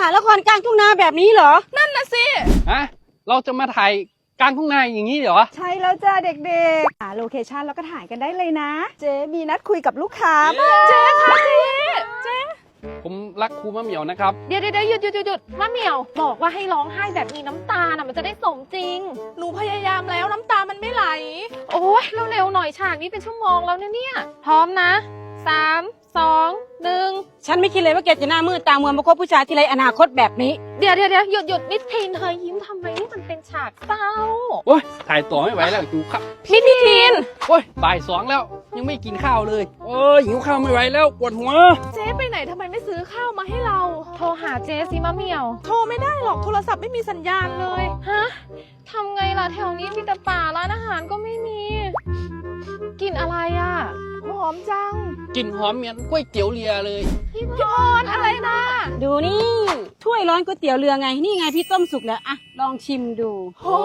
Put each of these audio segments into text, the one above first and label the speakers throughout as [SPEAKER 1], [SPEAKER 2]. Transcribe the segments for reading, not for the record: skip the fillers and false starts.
[SPEAKER 1] ถ่ายละครกลางทุ่งนาแบบนี้เหรอ
[SPEAKER 2] นั่นน่ะสิ
[SPEAKER 3] ฮะเราจะมาถ่ายกลางทุ่งนาอย่างนี้เหรอ
[SPEAKER 2] ใช่แล้วจ้าเด็กๆโลเคชั่นแล้วก็ถ่ายกันได้เลยนะเจ๊มีนัดคุยกับลูกค้าเจ๊ค่ะเจ๊
[SPEAKER 3] ผมรักครูมะเหมี่ยวนะครับ
[SPEAKER 4] เดี๋ยวหยุดมะเหมี่ยวบอกว่าให้ร้องไห้แบบมีน้ำตาน่ะมันจะได้สมจริง
[SPEAKER 2] หนูพยายามแล้วน้ำตามันไม่ไหล
[SPEAKER 4] โอ้ยเร็วๆหน่อยฉากนี้เป็นชั่วโมงแล้วเนี่ยพร้อมนะ3 2 1
[SPEAKER 1] ฉันไม่คิดเลยว่าแกจะหน้ามืดตามัวมาคบผู้ชายที่ไรอนาคตแบบนี้
[SPEAKER 4] เดี๋ยวหยุดมิทีนเธอยิ้มทำไมนี่มันเป็นฉากเศร้า
[SPEAKER 3] โอ้ยถ่ายต่อไม่ไหวแล้วหิวข้าว
[SPEAKER 4] มิทีน
[SPEAKER 3] โอ้ยบ่าย 2แล้วยังไม่กินข้าวเลยโอ้ยหิวข้าวไม่ไหวแล้วปวดหัว
[SPEAKER 2] เจ๊ไปไหนทำไมไม่ซื้อข้าวมาให้เรา
[SPEAKER 4] โทรหาเจ๊สิมะเหมี่ยว
[SPEAKER 2] โทรไม่ได้หรอกโทรศัพท์ไม่มีสัญญาณเลย
[SPEAKER 4] ฮะทำไงล่ะแถวนี้มีแต่ป่าร้านอาหารก็ไม่มีกินอะไรอ่ะ
[SPEAKER 2] หอมจัง
[SPEAKER 3] กลิ่นหอมเหมือนก๋วยเตี๋ยวเรือเลย
[SPEAKER 4] พี่พรอะไรนะ
[SPEAKER 1] ดูนี่ถ้วยร้อนก๋วยเตี๋ยวเรือไงนี่ไงพี่ต้มสุกแล้วอะลองชิมดู
[SPEAKER 3] โอ้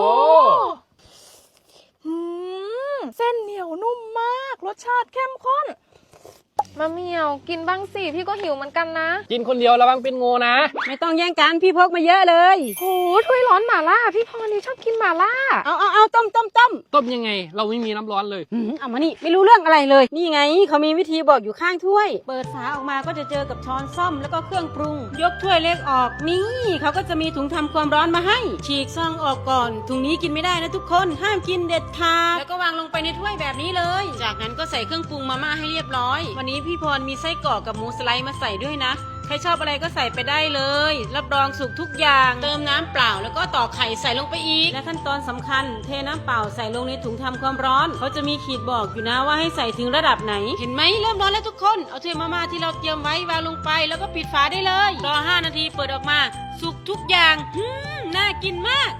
[SPEAKER 2] เส้นเหนียวนุ่มมากรสชาติเข้มข้น
[SPEAKER 4] มะเหมี่ยวกินบ้างสิพี่ก็หิวเหมือนกันนะ
[SPEAKER 3] กินคนเดียวระวังเป็นงูนะ
[SPEAKER 1] ไม่ต้องแย่งกันพี่พกมาเยอะเลย
[SPEAKER 4] โหถ้วยร้อนหม่าล่าพี่พรนี่ชอบกินหม่าล่า
[SPEAKER 1] เอาต้ม
[SPEAKER 3] ต้มยังไงเราไม่มีน้ำร้อนเลย
[SPEAKER 1] เอามานี่ไม่รู้เรื่องอะไรเลยนี่ไงเขามีวิธีบอกอยู่ข้างถ้วยเปิดฝาออกมาก็จะเจอกับช้อนส้อมแล้วก็เครื่องปรุงยกถ้วยเล็กออกนี่เขาก็จะมีถุงทำความร้อนมาให้ฉีกซองออกก่อนถุงนี้กินไม่ได้นะทุกคนห้ามกินเด็ดขาดแล้วก็วางลงไปในถ้วยแบบนี้เลยจากนั้นก็ใส่เครื่องปรุงมาม่าให้เรียบร้อยวันนี้พี่พรมีไส้กรอกกับหมูสไลด์มาใส่ด้วยนะใครชอบอะไรก็ใส่ไปได้เลยรับรองสุกทุกอย่างเติมน้ำเปล่าแล้วก็ตอกไข่ใส่ลงไปอีกและขั้นตอนสำคัญเทน้ำเปล่าใส่ลงในถุงทำความร้อนเขาจะมีขีดบอกอยู่นะว่าให้ใส่ถึงระดับไหนเห็นไหมเริ่มร้อนแล้วทุกคนเอาถ้วยมาม่าที่เราเตรียมไว้วางลงไปแล้วก็ปิดฝาได้เลยรอ5 นาทีเปิดออกมาสุกทุกอย่างน่ากินมาก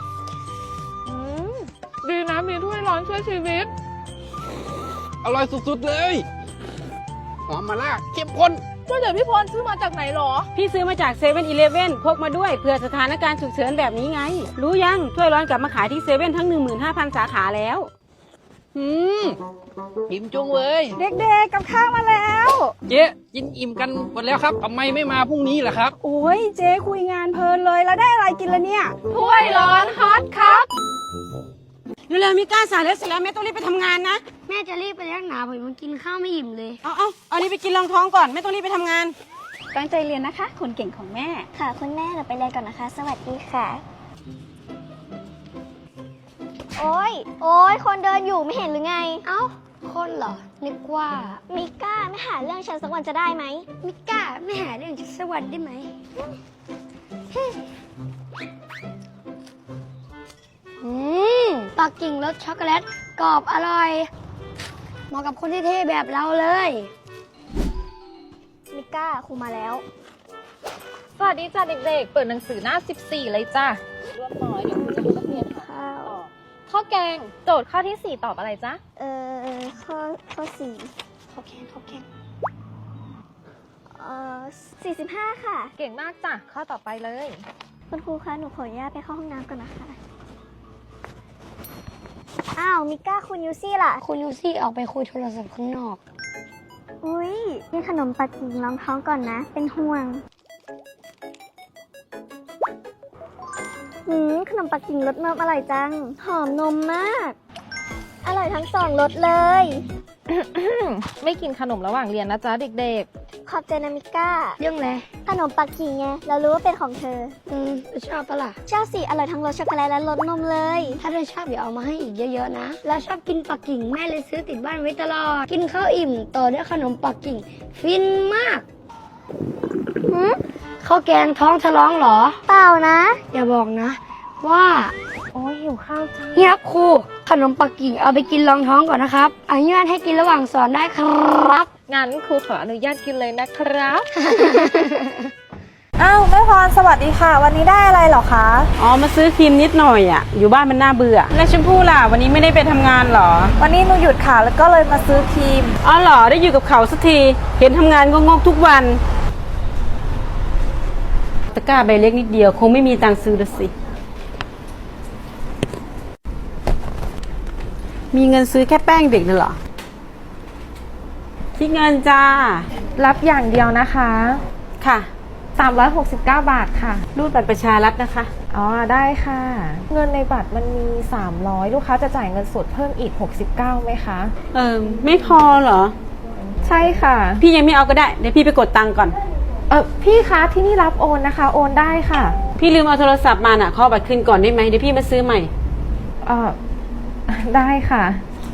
[SPEAKER 4] ดีนะมีถ้วยร้อนช่วยชีวิต
[SPEAKER 3] อร่อยสุดๆเลยหอมมาล่าเข้มข้น
[SPEAKER 2] ก็เดี๋ยวพี่พรซื้อมาจากไหนหรอ
[SPEAKER 1] พี่ซื้อมาจาก7-Elevenพกมาด้วยเผื่อสถานการณ์ฉุกเฉินแบบนี้ไงรู้ยังถ้วยร้อนกลับมาขายที่7ทั้ง 15,000 สาขาแล้ว
[SPEAKER 3] อิ่มจุงเลย
[SPEAKER 2] เด็กๆกับข้าวมาแล้ว
[SPEAKER 3] เจ๊กินอิ่มกันหมดแล้วครับทำไมไม่มาพรุ่งนี้ล่ะครับ
[SPEAKER 2] โอ้ยเจ๊คุยงานเพลินเลยแล้วได้อะไรกินละเนี่ย
[SPEAKER 4] ถ้วยร้อนฮอตครับ
[SPEAKER 1] เร็วๆมีก้าสายแล้วเสร็จแล้วแม่ต้องรีบไปทำงานนะ
[SPEAKER 5] แม่จะรีบไปเลี้ยงหนาผมมันกินข้าวไม่อิ่มเลย
[SPEAKER 1] เอานี่ไปกินรองท้องก่อนแม่ต้องรีบไปทำงาน
[SPEAKER 2] ตั้งใจเรียนนะคะคนเก่งของแม่
[SPEAKER 5] ค่ะคุณแม่เราไปเรียนก่อนนะคะสวัสดีค่ะโอ๊ยคนเดินอยู่ไม่เห็นหรือไงเอ้าคนเหรอนึกว่ามิก้าไม่หาเรื่องฉันสักวันจะได้ไหมมิก้าไม่หาเรื่องฉันสักวันได้ไหมปักกิ่งรสช็อกโกแลตกรอบอร่อยเหมาะกับคนที่เท่แบบเราเลยมิก้าครูมาแล้ว
[SPEAKER 4] สวัสดีจ้าเด็กๆเปิดหนังสือหน้า14เลยจ้ะรวบหน่อยเดี๋ยวครูจะดูนักเรียน
[SPEAKER 5] ข้าว
[SPEAKER 4] ข้าวแกงโจทย์ข้อที่4ตอบอะไรจ๊ะ
[SPEAKER 5] ข้อ4ข้าวแกง45ค่ะ
[SPEAKER 4] เก่งมากจ้ะข้อต่อไปเลย
[SPEAKER 5] คุณครูคะหนูขออนุญาตไปเข้าห้องน้ำก่อนนะคะอ้าวมิก้าคุณยูซี่ล่ะคุณยูซี่ออกไปคุยโทรศัพท์ข้างนอกอุ้ยนี่ขนมปักกิ่งรองท้องก่อนนะเป็นห่วงขนมปักกิ่งรสนมอร่อยจังหอมนมมากอร่อยทั้ง2รสเลย
[SPEAKER 4] ไม่กินขนมระหว่างเรียนนะจ๊ะเด็ก
[SPEAKER 5] ๆขอบใจนะมิก้า
[SPEAKER 4] เรื่องอะไร
[SPEAKER 5] ขนมปักกิ่งไงเรารู้ว่าเป็นของเธอ
[SPEAKER 4] ชอบปะล่ะ
[SPEAKER 5] ชอบสิอร่อยทั้งรสช็อกโกแลตและรสนมเลย
[SPEAKER 4] ถ้าเธอชอบเดี๋ยวเอามาให้อีกเยอะๆนะแล้วชอบกินปักกิ่งแม่เลยซื้อติดบ้านไว้ตลอดกินข้าวอิ่มต่อด้วยขนมปักกิ่งฟินมากข้าวแกงท้องทะล้องเหรอ
[SPEAKER 5] เปล่านะ
[SPEAKER 4] อย่าบอกนะว่าโอ้ยหิวข้าวจังนี่ครับครูขนมปักกิ่งเอาไปกินรองท้องก่อนนะครับอนุญาตให้กินระหว่างสอนได้ครับงั้นครูขออนุญาตกินเลยนะครับ
[SPEAKER 2] อ้าวแม่พรสวัสดีค่ะวันนี้ได้อะไรหรอคะ
[SPEAKER 1] มาซื้อครีมนิดหน่อยอ่ะอยู่บ้านมันน่าเบื่อแล้วชมพู่ล่ะวันนี้ไม่ได้ไปทำงานหรอ
[SPEAKER 2] วันนี้หนูหยุดค่ะแล้วก็เลยมาซื้อครีม
[SPEAKER 1] เหรอได้อยู่กับเขาสักทีเห็นทำงานงกๆทุกวันตะกร้าใบเล็กนิดเดียวคงไม่มีตังค์ซื้อละสิมีเงินซื้อแค่แป้งเด็กเหรอคิดเงินจ้า
[SPEAKER 4] รับอย่างเดียวนะคะ
[SPEAKER 1] ค่ะ
[SPEAKER 6] 369 บาทค่ะ
[SPEAKER 1] รูดบัตรประชารัฐนะคะ
[SPEAKER 6] อ๋อได้ค่ะ เงินในบัตรมันมี300ลูกค้าจะจ่ายเงินสดเพิ่มอีก69ไหมคะ
[SPEAKER 1] ไม่พอเหรอ
[SPEAKER 6] ใช่ค่ะ
[SPEAKER 1] พี่ยังไม่เอาก็ได้ เดี๋ยวพี่ไปกดตังค์ก่อน
[SPEAKER 6] พี่คะที่นี่รับโอนนะคะ โอนได้ค่ะ
[SPEAKER 1] พี่ลืมเอาโทรศัพท์มาน่ะขอบัตรคืนก่อนได้ไหมเดี๋ยวพี่มาซื้อใหม่
[SPEAKER 6] ได้ค่ะ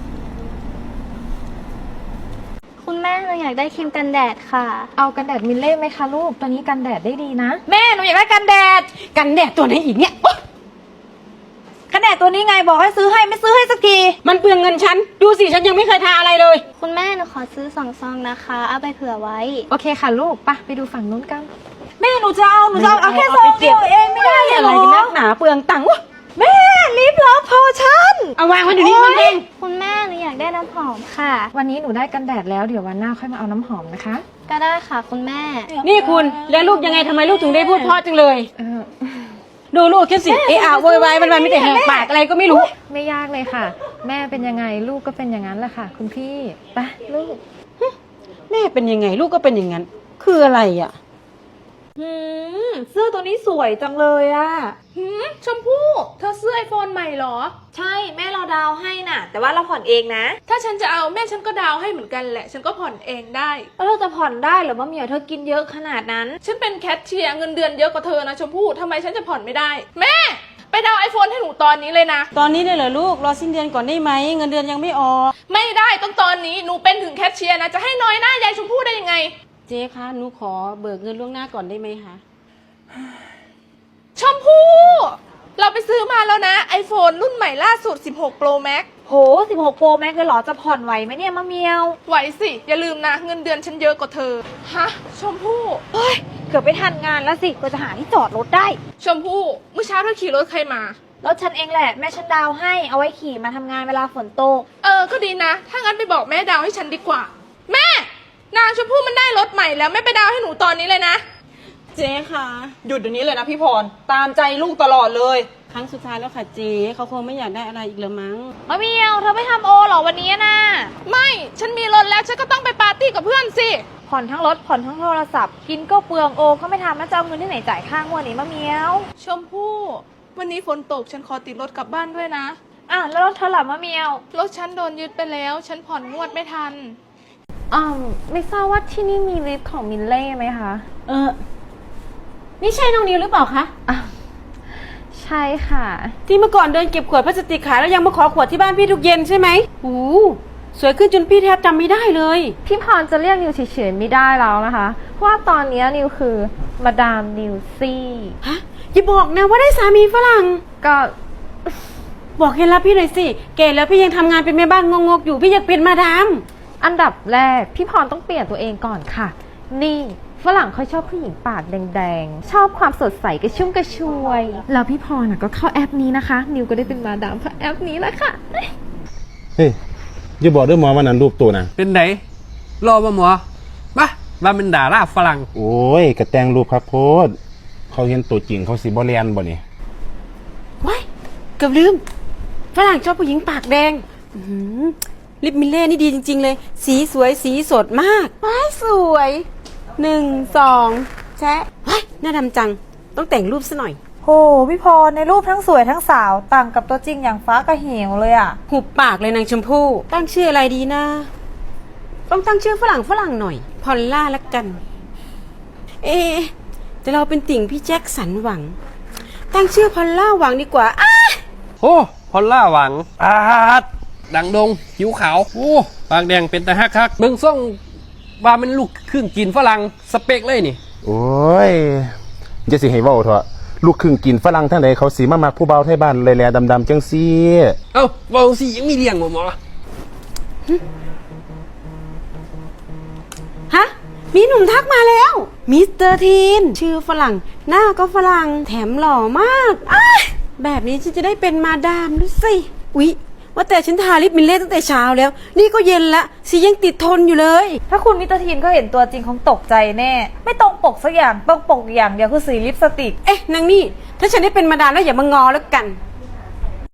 [SPEAKER 5] คุณแม่เราอยากได้ครีมกันแดดค่ะ
[SPEAKER 6] เอากันแดดมิลเล่ไหมคะลูกตัวนี้กันแดดได้ดีนะ
[SPEAKER 2] แม่หนูอยากได้กันแดด
[SPEAKER 1] กันแดดตัวไหนอีกเนี่ยโอ๊ย
[SPEAKER 2] กันแดดตัวนี้ไงบอกให้ซื้อให้ไม่ซื้อให้สักที
[SPEAKER 1] มันเปลืองเงินฉัน ดูสิฉันยังไม่เคยทาอะไรเลย
[SPEAKER 5] คุณแม่หนูขอซื้อ2 ซองนะคะ เอาไปเผื่อไว้
[SPEAKER 6] โอเคค่ะลูกไปดูฝั่งนู้นกัน
[SPEAKER 2] แม่หนูจะเอาแค่ซองเดียวเองไม่ได้เหร
[SPEAKER 1] อะไรกันนักหนาเปลืองตังค์วะ
[SPEAKER 2] แม่ลิปลอฟพอชั่น
[SPEAKER 1] เอาวางไว้เดี๋ยวนี้มันเอง
[SPEAKER 5] คุณแม่หนูอยากได้น้ำหอมค่ะ
[SPEAKER 6] วันนี้หนูได้กันแดดแล้วเดี๋ยววันหน้าค่อยมาเอาน้ำหอมนะคะ
[SPEAKER 5] ก็ได้ค่ะคุณแม่
[SPEAKER 1] นี่คุณแล้วลูกยังไงทำไมลูกถึงได้พูดเพราะจังเลย
[SPEAKER 6] เออ
[SPEAKER 1] ดูลูกแค่สิโวยวายมันไม่แต่แหกปากอะไรก็ไม่รู้
[SPEAKER 6] ไม่ยากเลยค่ะ แม่เป็นยังไงลูกก็เป็นอย่างนั้นแหละค่ะ คุณพี่ไปลูก
[SPEAKER 1] แม่เป็นยังไงลูกก็เป็นอย่างนั้น คืออะไรอ่ะ
[SPEAKER 2] เสื้อตัวนี้สวยจังเลยอะ
[SPEAKER 7] ชมพู่เธอซื้อไอโฟนใหม่เหรอ
[SPEAKER 2] ใช่แม่เราดาวให้น่ะ แต่ว่าเราผ่อนเองนะ
[SPEAKER 7] ถ้าฉันจะเอาแม่ฉันก็ดาวให้เหมือนกันแหละ ฉันก็ผ่อนเองได้
[SPEAKER 2] แล้วเราจะผ่อนได้เหรอมะเหมียวเธอกินเยอะขนาดนั้น
[SPEAKER 7] ฉันเป็นแคชเชียร์เงินเดือนเยอะกว่าเธอนะชมพู่ทำไมฉันจะผ่อนไม่ได้ แม่ ไปดาวไอโฟนให้หนูตอนนี้เลยนะ
[SPEAKER 1] ตอนนี้เลยเหรอลูกรอสิ้นเดือนก่อนได้ไหมเงินเดือนยังไม่ออก
[SPEAKER 7] ไม่ได้ต้องตอนนี้หนูเป็นถึงแคชเชียร์นะจะให้น้อยหน้ายายชมพู่ได้ยังไง
[SPEAKER 1] เจ๊คะหนูขอเบิกเงินล่วงหน้าก่อนได้ไหมคะ
[SPEAKER 7] ชมพู่เราไปซื้อมาแล้วนะ iPhone รุ่นใหม่ล่าสุด 16 Pro Max
[SPEAKER 2] โห16 Pro Max เลยเหรอจะผ่อนไหวไหมเนี่ยมะเหมียว
[SPEAKER 7] ไหวสิ อย่าลืมนะ เงินเดือนฉันเยอะกว่าเธอ ฮะ ชมพู่
[SPEAKER 2] เฮ้ยเกือบไปทันงานแล้วสิก็จะหาที่จอดรถได้
[SPEAKER 7] ชมพู่เมื่อเช้าเธอขี่รถใครมา
[SPEAKER 2] รถฉันเองแหละแม่ฉันดาวให้เอาไว้ขี่มาทำงานเวลาฝนตก
[SPEAKER 7] ก็ดีนะ ถ้างั้นไปบอกแม่ดาวให้ฉันดีกว่า แม่ นางชมพู่มันได้รถใหม่แล้วแม่ไปดาวให้หนูตอนนี้เลยนะ
[SPEAKER 1] เจ๊คะ
[SPEAKER 2] หยุดเดี๋ยวนี้เลยนะพี่พรตามใจลูกตลอดเลย
[SPEAKER 1] ครั้งสุดท้ายแล้วค่ะเจ๊เขาคงไม่อยากได้อะไรอีกแล้วมั้ง
[SPEAKER 2] มะเหมียวเธอไม่ทำโอหรอวันนี้นะ
[SPEAKER 7] ไม่ ฉันมีรถแล้วฉันก็ต้องไปปาร์ตี้กับเพื่อนสิ
[SPEAKER 2] ผ่อนทั้งรถผ่อนทั้งโทรศัพท์กินก็เปลืองโอก็ไม่ทำแล้วจะเอาเงินที่ไหนจ่ายค่างวดนี้มะเหมียว
[SPEAKER 7] ชมพู่ วันนี้ฝนตกฉันขอติดรถกลับบ้านด้วยนะ
[SPEAKER 2] แล้วรถเธอหลับมะเหมียว
[SPEAKER 7] รถฉันโดนยึดไปแล้ว ฉันผ่อนงวดไม่ทัน
[SPEAKER 6] ไม่ทราบว่าที่นี่มีลิฟต์ของมิลเล่ไหมคะ
[SPEAKER 1] นี่ใช่น้องนิวหรือเปล่าคะ
[SPEAKER 6] ใช่ค่ะ
[SPEAKER 1] ที่เมื่อก่อนเดินเก็บขวดพลาสติกขายแล้วยังมาขอขวดที่บ้านพี่ทุกเย็นใช่ไหมโอ้สวยขึ้นจนพี่แทบจำไม่ได้เลย
[SPEAKER 6] พี่พรจะเรียกนิวเฉยๆไม่ได้แล้วนะคะ เพราะว่าตอนนี้นิวคือมาดามนิวซี่
[SPEAKER 1] ฮะอย่าบอกนะว่าได้สามีฝรั่ง
[SPEAKER 6] ก็
[SPEAKER 1] บอกเคล็ดลับพี่หน่อยสิเก๋แล้วพี่ยังทำงานเป็นแม่บ้านงกๆอยู่พี่อยากเป็นมาดาม
[SPEAKER 6] อันดับแรกพี่พรต้องเปลี่ยนตัวเองก่อนค่ะ นี่ฝรั่งเขาชอบผู้หญิงปากแดงๆ ชอบความสดใสกระชุ่มกระชวย แล้วพี่พรก็เข้าแอปนี้นะคะ นิวก็ได้เป็นมาดามเพราะแอปนี้แหละค่ะ
[SPEAKER 3] เฮ้ยอย่าบอกเด้วยหมอวันนั้นรูปตัวนะ
[SPEAKER 8] เป็นไหนรอมาหมอมาว่าเป็นดาราฝรั่ง
[SPEAKER 3] โอ้ยกระแตงรูปครับโพดเขาเห็นตัวจริงเขาสิบ่เรียนบ่นี่
[SPEAKER 1] ว้ายเกือบลืมฝรั่งชอบผู้หญิงปากแดงอื้อหือลิปมิลเล่นี่ดีจริงๆเลย สีสวยสีสดมากว้ายสวย1 2แชะว้ายหน้าดำจังต้องแต่งรูปซะหน่อย
[SPEAKER 2] โหพี่พรในรูปทั้งสวยทั้งสาวต่างกับตัวจริงอย่างฟ้ากับเหวเลยอ่ะ
[SPEAKER 1] หุบปากเลยนางชมพู่ตั้งชื่ออะไรดีนะ ต้องตั้งชื่อฝรั่งหน่อย พอลล่าละกัน แต่เราเป็นติ่งพี่แจ็คสันหวัง ตั้งชื่อพอลล่าหวังดีกว่าอ้า
[SPEAKER 8] โอ้พอลล่าหวังดดังดงผิวขาวโอ้ปากแดงเป็นตาฮักคักเบิ่งซ่องว่ามันลูกครึ่งกินฝรั่งสเปกเลยนี่
[SPEAKER 3] โอ้ยจะสิให้เว้าเถอะลูกครึ่งกินฝรั่งทั้งใดเขาสิมามักผู้เบาไทยบ้านแลๆดำๆจังซี่
[SPEAKER 8] เอ้าเบาสิยังมีเลี้ยงบ่หมอ
[SPEAKER 1] ฮะมีหนุ่มทักมาแล้วมิสเตอร์ทีนชื่อฝรั่งหน้าก็ฝรั่งแถมหล่อมากอ้ายแบบนี้ฉันจะได้เป็นมาดามด้วยสิอุ๊ยว่าแต่ฉันทาลิปมิลเล่ตั้งแต่เช้าแล้ว นี่ก็เย็นละสียังติดทนอยู่เลย
[SPEAKER 2] ถ้าคุณมิสเตอร์ทีนก็เห็นตัวจริงคงตกใจแน่ ไม่ตรงปกสักอย่างตรงปกอย่างเดียวคือสีลิปสติก
[SPEAKER 1] เอ๊ะนางนี่ถ้าฉันได้เป็นมาดามแล้วอย่ามางอแล้วกัน